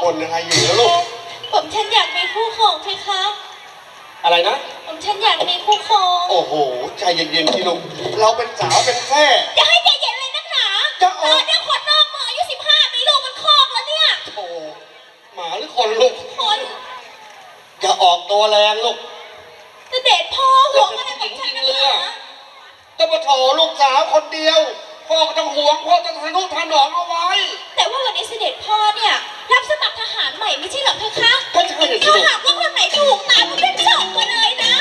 คนอะไรอยู่แล้วลูกผมฉันอยากมีคู่ครองเพคะอะไรนะผมฉันอยากมีคู่ครองโอ้โหใจเย็นๆที่ลูกเราเป็นสาวเป็นแค่จะให้ใจเย็นเลยนักหนาจะออกเดี๋ยวคนนอกมืออายุ15มีลูกมันคลอกแล้วเนี่ยโอ้หมาหรือคนลูกคนอย่าออกตัวแรงลูกจะเด็ดพ่อห่วงอะไรผมฉันนักหนาจะมาโถลูกสาวคนเดียวพ่อก็ต้องห่วงพ่อต้องทะนุถนอมเอาไว้แต่ว่าวันนี้เสด็จพ่อเนี่ยรับสมัครทหารใหม่ไม่ใช่หรอเพคะก็ใช่เลยถ้าหากว่าคนไหนถูกตามก็เป็นส่งมาเลยนะ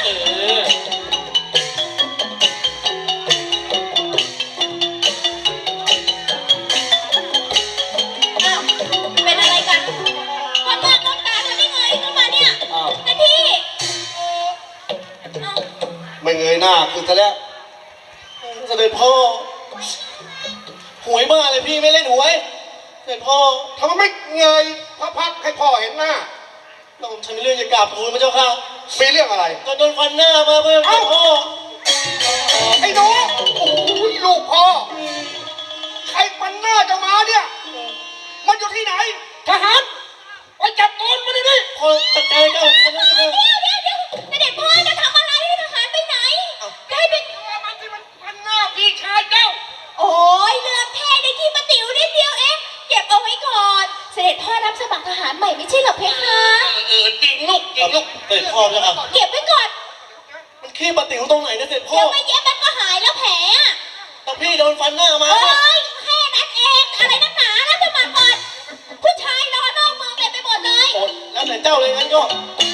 เป็นอะไรกันความมากน้ำตาทำได้ไงขึ้นมาเนี่ยนาทีไม่เงยหน้าคือจะแล้วเสด็จพ่อหวยบ้าเลยพี่ไม่เล่นหวยเสด็จพ่อทำไมไม่เงยพักให้พ่อเห็นหน้าเราฉันมีเรื่องจะกราบทูลพระเจ้าค่ะมีเรื่องอะไรก็โดนฟันหน้ามาเพื่อนพ่อไอ้หนูโอ้ยลูกพ่อใครฟันหน้าจะมาเนี่ยมันอยู่ที่ไหนทหารไปจับตัวมันดิพ่อจัดการเจ้าเดี๋ยวเสด็จพ่อจะทำอะไรให้ทหารไปไหนได้เป็นมันที่มันฟันหน้าพี่ชายเจ้าโอ้ยเรื่องแค่ในที่มาติ๋วนิดเดียวเองเก็บเอาไว้ก่อนเสด็จพ่อรับสมัครทหารใหม่ไม่ใช่หรอเพคะจริงลูกเสด็จพ่อจะเอาเก็บไว้ก่อนมันขี้มาติ๋วตรงไหนนะเสด็จพ่อเดี๋ยวไม่เย็บมันก็หายแล้วแผลอะแต่พี่โดนฟันหน้ามาเอ้ยแค่นั้นเองอะไรนักหนารับสมัครก่อนผู้ชายรอนอกเมืองเต็มไปหมดเลยแล้วแต่เจ้าเลยงั้นก็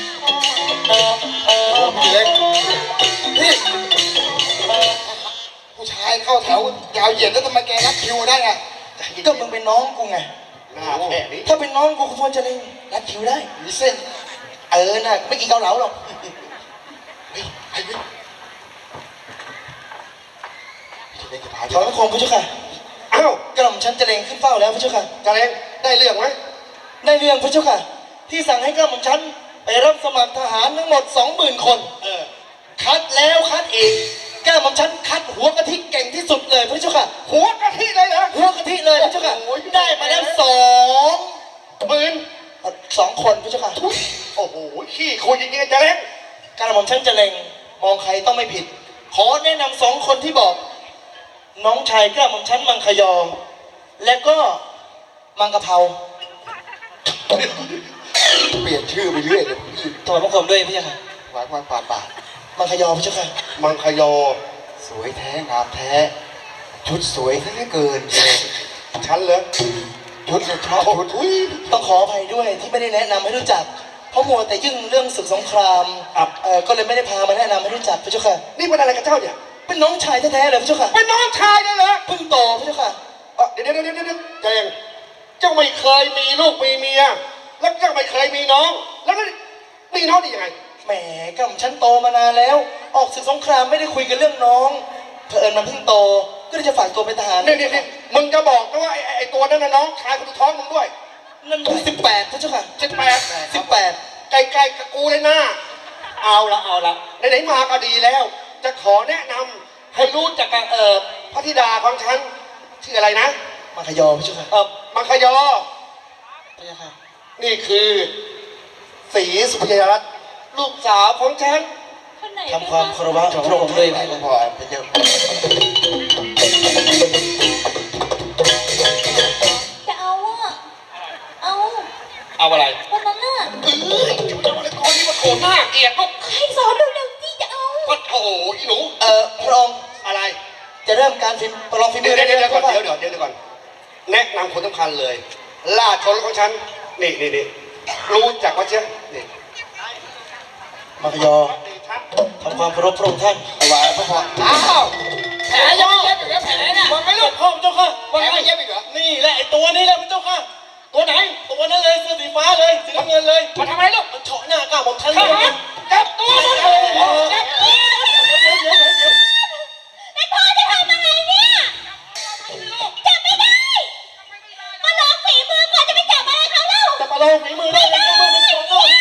พี่เล็กพี่ผู้ชายเข้าแถวยาวเหยียดแล้วทำไมแกนัดคิวได้ไงก็มึงเป็นน้องกูไงถ้าเป็นน้องกูควรจะได้นัดคิวได้มีเส้นน่ะไม่กินเกาเหลาหรอกขอพระคมพระเจ้าค่ะอ้าวกระหม่อมฉันจะเลงขึ้นเฝ้าแล้วพระเจ้าค่ะจะเลงได้เรื่องไหมได้เรื่องพระเจ้าค่ะที่สั่งให้กระหม่อมฉันไปรับสมัครทหารทั้งหมด 20,000 คนคัดแล้วคัดอีกแก้วของฉันคัดหัวกะทิเก่งที่สุดเลยพระเจ้าค่ะหัวกะทิเลยเหรอหัวกะทิเลยพระเจ้าค่ะได้มาแล้ว20,000 คนพระเจ้าค่ะโอ้โหขี้คุยอย่างนี้จะเล่นการของฉันจะเล็งมองใครต้องไม่ผิดขอแนะนำ2 คนที่บอกน้องชายกล้าของฉันมังคยอและก็มังกะเพราเปลี่ยนชื่อไปเรื่อยเลยถอดพระคมด้วยพระเจ้าค่ะหวานปาดมังคยอพระเจ้าค่ะมังคยอสวยแท้งามแท้ชุดสวยซะเหลือเกินฉันเหรอชุดชอบชุดต้องขออภัยด้วยที่ไม่ได้แนะนำให้รู้จักเพราะมัวแต่ยุ่งเรื่องศึกสงครามก็เลยไม่ได้พามาแนะนำให้รู้จักพระเจ้าค่ะนี่เป็นอะไรกับเจ้าเนี่ยเป็นน้องชายแท้ๆเลยพระเจ้าค่ะเป็นน้องชายได้เหรอเพิ่งโตพระเจ้าค่ะเดี๋ยวใจเย็นเจ้าไม่เคยมีลูกมีเมียแล้วเจ้าไม่เคยมีน้องแล้วมีน้องได้ยังไงแหมกับฉันโตมานานแล้วออกศึกสงครามไม่ได้คุยกันเรื่องน้องเผอิญมันเพิ่งโตก็เลยจะฝากตัวเป็นทหารนี่มึงจะบอกนะว่าไอ้ตัวนั้นนะน้องชายคนท้องมึงด้วยนั่น18พระเจ้าค่ะ18ใกล้ๆกับกูเลยนะเอาละไหนๆมาก็ดีแล้วจะขอแนะนำให้รู้จักกับพระธิดาของฉันชื่ออะไรนะมังคยอพระเจ้าค่ะมังคยอพระเจ้าค่ะนี่คือศรีสุภยรัตน์ลูกสาวของฉันทำความเคารพพระองค์ด้วยไหนก็พอพระเจ้าจะเอาอะไรวันนั้นน่ะจะมาเลยคนนี้มาโขนหน้าเกลียดลูกใครสอนเร็วๆที่จะเอาก็โอ้ยหนูพระองค์อะไรจะเริ่มการประลองฝีมือเดี๋ยวก่อนแนะนำคนสำคัญเลยราชชนของฉันนี่รู้จักว่าเชื่อนี่มังคยอทำความเคารพพระองค์ท่านเอาไว้พระพรอ้าวแผลยังไม่เย็บอีกเหรอแผลน่ะมันไม่รู้พ่อพระเจ้าค่ะแผลไม่เย็บอีกเหรอนี่แหละไอ้ตัวนี้แหละพระเจ้าค่ะตัวไหนตัวนั้นเลยเสื้อสีฟ้าเลยสีน้ำเงินเลยมาทำอะไรลูกมันเฉาะหน้ากล้าผมทันเลยจับตัวมันจับตัวแต่พ่อจะทำอะไรเนี่ยจับไม่ได้มาลองฝีมือก่อนจะไปจับอะไรเขาเล่าจะมาลองฝีมือได้ยังมือมันโฉงเลย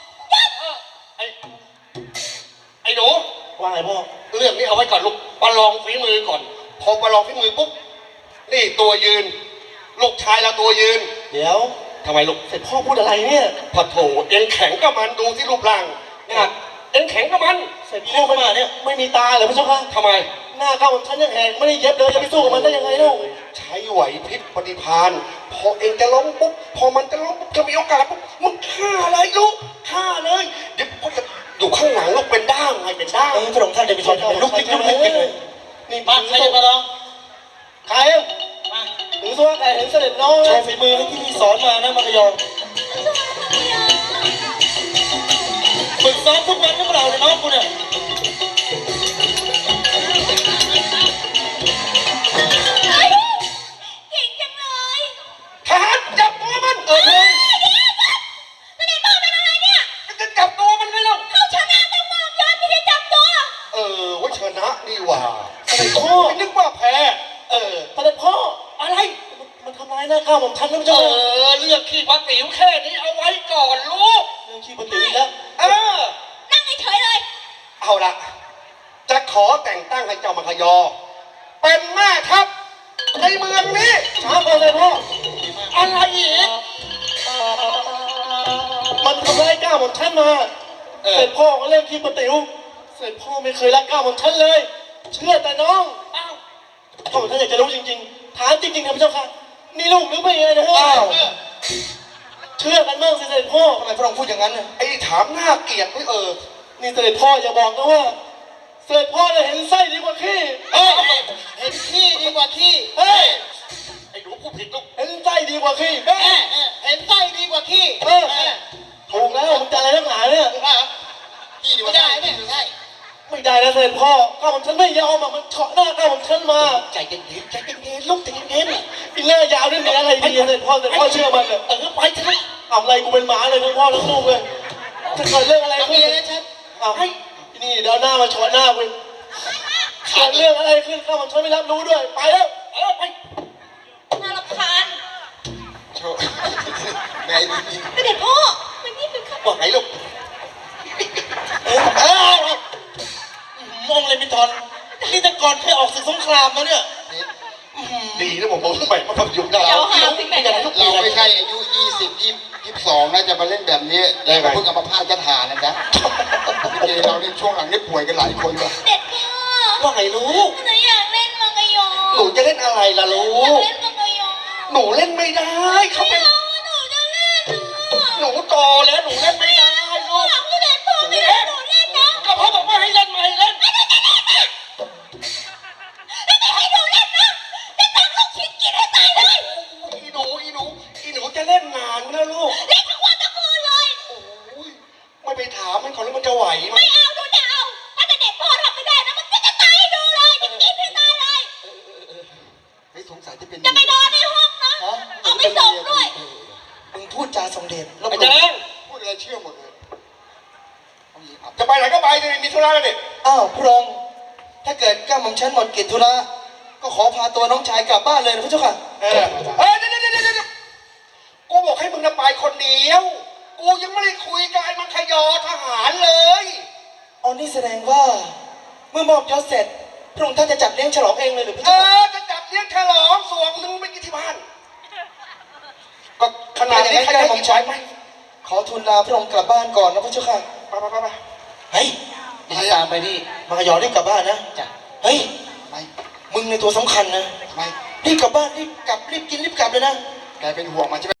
ไอ้หนูว่าไงพ่อเรื่องนี้เอาไว้ก่อนลูกประลองฝีมือก่อนพอประลองฝีมือปุ๊บนี่ตัวยืนลูกชายเราตัวยืนเดี๋ยวทำไมลูกเสร็จพ่อพูดอะไรเนี่ยพอโถเอ็งแข็งกับมันดูที่รูปร่างเนี่ยเอ็งแข็งกับมันเสร็จพ่อมาเนี่ยไม่มีตาเหรอพระเจ้าค่ะทำไมหน้าเข้าฉันยังแหกไม่ได้เย็บเลยจะไปสู้กับมันได้ยังไงเล่าใช้ไหวพริบปฏิภาณพอเอ็งจะล้มปุ๊บพอมันจะล้มปุ๊บจะมีโอกาสปุ๊บมึงฆ่าเลยลูกฆ่าเลยเดี๋ยวพ่อจะอยู่ข้างหลังลูกเป็นด้ามไงเป็นด้ามพระองค์ท่านจะไปชนลุกนิกลุกนิกกันเลยนี่มาใครจะมาลองใครมาถึงตัวใครเห็นเสด็จน้องโชว์ฝีมือที่พี่สอนมานะมังกรยองฝึกซ้อมทุกวันหรือเปล่าเนี่ยน้องกูเนี่ยเก่งจังเลยทหารจับตัวมันเสด็จพ่อเป็นอะไรเนี่ยจะจับตัวมันไงเล่าเขาชนะแต่มองย้อนไม่ได้จับตัวว่าชนะนี่หว่าเสด็จพ่อไม่นึกว่าแพ้เสด็จพ่ออะไรมันทำร้ายหน้าข้าวผมทันแล้วเจ้าเรื่องขี้ปลาติ๋วแค่นี้เอาไว้ก่อนลูกเรื่องขี้ปฏิวิแล้วนั่งเฉยๆเลยเอาละจะขอแต่งตั้งให้เจ้ามังคยอ เป็นแม่ทัพในเมืองนี้ช้าก่อนเลยพ่ออะไรอีกมันทำร้ายก้าวของฉันมาเสร็จพ่อก็เล่นขี้ปฏิวเสร็จพ่อไม่เคยรักก้าวของฉันเลย เชื่อแต่น้องอ้าวพ่อของท่านอยากจะรู้จริงๆถามจริงๆครับพระเจ้าค่ะนี่ลูกหรือไม่นะฮะเชื่อกันบ้างสิเสด็จพ่อทำไมพระองค์พูดอย่างนั้นน่ะไอ้ถามหน้าเกลียดไม่นี่เสด็จพ่ออย่าบอกนะว่าเสด็จพ่อเนี่ยเห็นไส้ดีกว่าขี้เห็นขี้ดีกว่าขี้เฮ้ยไอ้หนูพูดผิดลูกเห็นไส้ดีกว่าขี้เห็นไส้ดีกว่าขี้ถูกแล้วมึงจะอะไรนักหนาเนี่ยขี้ดีกว่าไส้ไม่ใช่ไม่ได้นะเสด็จพ่อก้าวของฉันไม่ยอมอ่ะมันเฉาะหน้าก้าวของฉันมาใจเย็นๆใจเย็นๆลูกใจเย็นอีหน้ายาวนี่มีอะไรดีเสด็จพ่อเชื่อมันเลยไปเถอะทำอะไรกูเป็นหมาเลยทั้งพ่อทั้งลูกเลยจะเกิดเรื่องอะไรขึ้นเอาให้นี่เดี๋ยวหน้ามาชนหน้ากูเกิดเรื่องอะไรขึ้นข้ามันฉันไม่รับรู้ด้วยไปแล้วไปน่ารำคาญโชว์แม่ดีเสด็จพ่อมันนี่เป็นข้าบอกไหนลูกมองเลยมิทอนนี่แต่ก่อนเคยออกศึกสงครามมาเนี่ยดีนะผมบอกทำไมมาทำยุ่งได้เดี๋ยวหาสิ่งไหนกันเราไม่ใช่อายุ22นะจะมาเล่นแบบนี้แล้วก็เพิ่งเอามาพาดกระถานะจ๊ะเราในช่วงหลังนี่ป่วยกันหลายคนเลยเสด็จพ่อว่าไงลูกหนูอยากเล่นมังกรยอหนูจะเล่นอะไรล่ะลูอยากกเล่นมังกรยอหนูเล่นไม่ได้เขาเป็นหนูจะเล่นหนูโตแล้วหนูเล่นไม่ได้ลูกเสด็จพ่อไม่ให้หนูเล่นนะก็พ่อบอกว่าให้เล่นไม่เล่นไม่ให้หนูเล่นนะจะตักลูกชิ้นกินให้ตายเลยอีหนูจะเล่นนานนะลูกเล่นทั้งวันทั้งคืนเลยโอ้ยไม่ไปถามมันก่อนแล้วมันจะไหวไหมไม่เอาดูจะเอาถ้าแต่เด็กพ่อทำไม่ได้นะมันจะตายให้ดูเลยจะกินให้ตายเลยไม่สงสัยจะเป็นจะไปนอนในห้องนะเอาไปส่งด้วยมึงพูดจาสมเด็จแล้วไอ้แดงพูดอะไรเชื่อหมดเลยจะไปไหนก็ไปเลยมีธุระแล้วนี่อ้าวพระองค์ถ้าเกิดก้าวของฉันหมดกิจธุระก็ขอพาตัวน้องชายกลับบ้านเลยนะพระเจ้าค่ะเดี๋ยวกูบอกให้มึงไปคนเดียว กูยังไม่ได้คุยกับไอ้มังคยอทหารเลยอ๋อนี่แสดงว่าเมื่อมอบยศเสร็จพระองค์ท่านจะจัดเลี้ยงฉลองเองเลยหรือพระเจ้าค่ะจะจัดเลี้ยงฉลองส่วนหนึ่งไปกินที่บ้าน ก็ขนาดนี้ใครจะกินไหวไหมขอทูลลาพระองค์กลับบ้านก่อนนะพระเจ้าค่ะไปเฮ้ยพยายามไปดิมายอรีบกลับบ้านนะจ้ะเฮ้ยไม่มึงในตัวสำคัญนะไม่รีบกลับบ้านรีบกลับรีบกินรีบกลับเลยนะแกเป็นห่วงมันใช่ไหม